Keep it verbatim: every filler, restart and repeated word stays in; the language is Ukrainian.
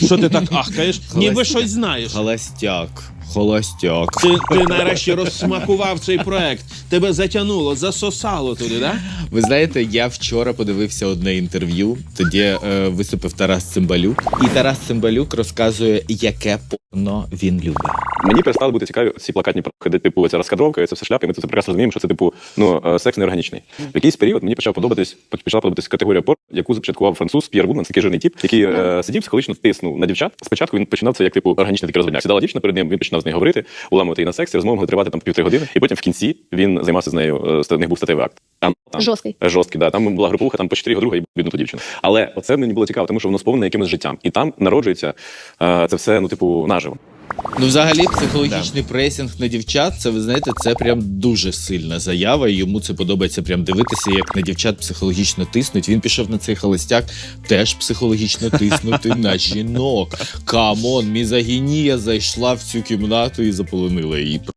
що ти так ахкаєш? Ніби Холостяк. щось знаєш. Холостяк. Холостяк. Ти, ти нарешті розсмакував цей проект. Тебе затягнуло, засосало туди, да? Ви знаєте, я вчора подивився одне інтерв'ю, тоді е, виступив Тарас Цимбалюк. І Тарас Цимбалюк розказує, яке порно він любить. Мені перестали бути цікаві ці плакатні проекти, де типу ця розкадровка, це все шляпи. Ми це прекрасно розуміємо, що це типу ну е, секс неорганічний. В якийсь період мені почав подобатись, почала подобатись категорія порно, яку започаткував француз П'єр Вудман, такий жирний тип, який е, сидів психологічно тиснув на дівчат. Спочатку він починав це як типу органічний такий розводняк. Сідала дівчина перед ним, він починав з нею говорити, уламувати її на сексі, розмови могли тривати там півтори години, і потім в кінці він займався з нею. З них був статевий акт. Там, там Жорсткий. Жорсткий, да. Там була групуха, там по чотири друга і бідну ту дівчину. Але оце мені було цікаво, тому що воно сповнене якимось життям. І там народжується е, це все, ну типу, наживо. Ну, взагалі, психологічний пресінг на дівчат, це, ви знаєте, це прям дуже сильна заява, і йому це подобається прям дивитися, як на дівчат психологічно тиснуть. Він пішов на цей холостяк теж психологічно тиснути на жінок. Камон, мізогінія зайшла в цю кімнату і заполонила її.